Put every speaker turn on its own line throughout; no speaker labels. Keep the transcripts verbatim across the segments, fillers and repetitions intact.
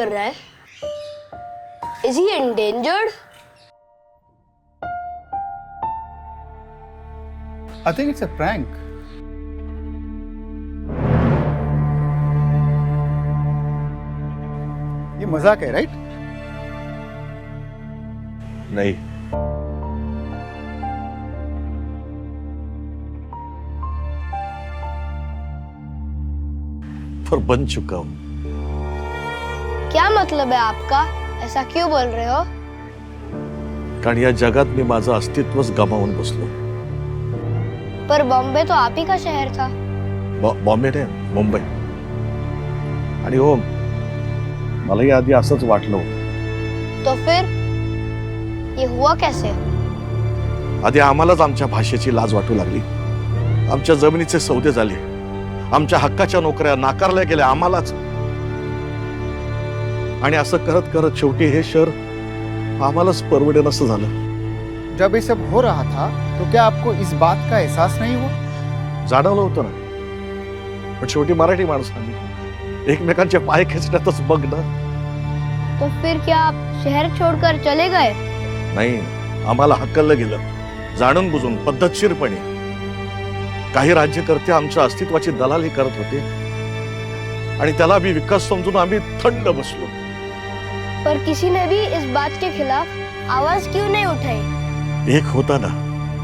कर रहा है? Is he endangered?
I think it's a prank. ये मजाक है, राइट?
नहीं, पर बन चुका हूं।
क्या मतलब है आपका? ऐसा क्यों बोल रहे हो?
कारण या जगात मी माझं अस्तित्वच गमावून बसलो।
पर बॉम्बे तो आप ही का शहर था।
बॉ- बॉम्बे ने मुंबई। आणि हो, मलाही आधी असंच वाटलं होतं।
तो फिर ये हुआ कैसे?
आधी आम्हालाच आमच्या भाषेची लाज वाटू लागली, आमच्या जमिनीचे सौदे झाले, आमच्या हक्काच्या नोकऱ्या नाकारल्या गेल्या आम्हालाच। आणि असं करत करत शेवटी हे शहर आम्हालाच परवडेन असं झालं।
जब ये सब हो रहा था तो क्या आपको इस बात का एहसास नहीं हुआ?
जाणवलं होतं ना, पण शेवटी मराठी माणसांनी एकमेकांचे पाय खेचण्यातच बघ ना।
तो फिर क्या आप शहर छोड़कर चले गए?
नाही, आम्हाला हकललं गेलं, जाणून बुजून पद्धतशीरपणे। काही राज्यकर्ते आमच्या अस्तित्वाची दलाली करत होते आणि त्याला भी विकास समजून आम्ही थंड बसलो।
पर किसी ने भी इस बात के खिलाफ आवाज क्यों नहीं उठाई?
एक होता ना,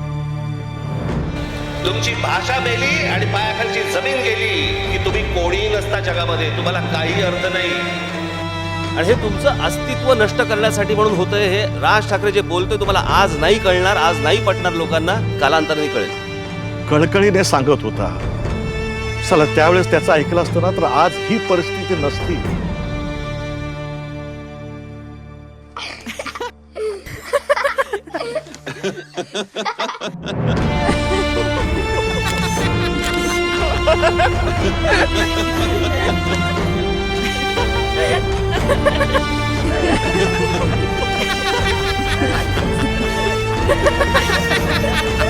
तुमची भाषा मेली आणि पायाखालची जमीन गेली की तुम्ही कोणी नसता जगामध्ये, तुम्हाला काही अर्थ नाही।
आणि हे तुमचं अस्तित्व नष्ट करण्यासाठी म्हणून होतंय। हे राज ठाकरे जे बोलतोय तुम्हाला आज नाही कळणार, आज नाही पटणार लोकांना, कालांतराने कळेल।
कळकळीने सांगत होता, चला त्यावेळेस त्याचं ऐकलं असतं ना तर आज ही परिस्थिती नसती।
Ha ha ha!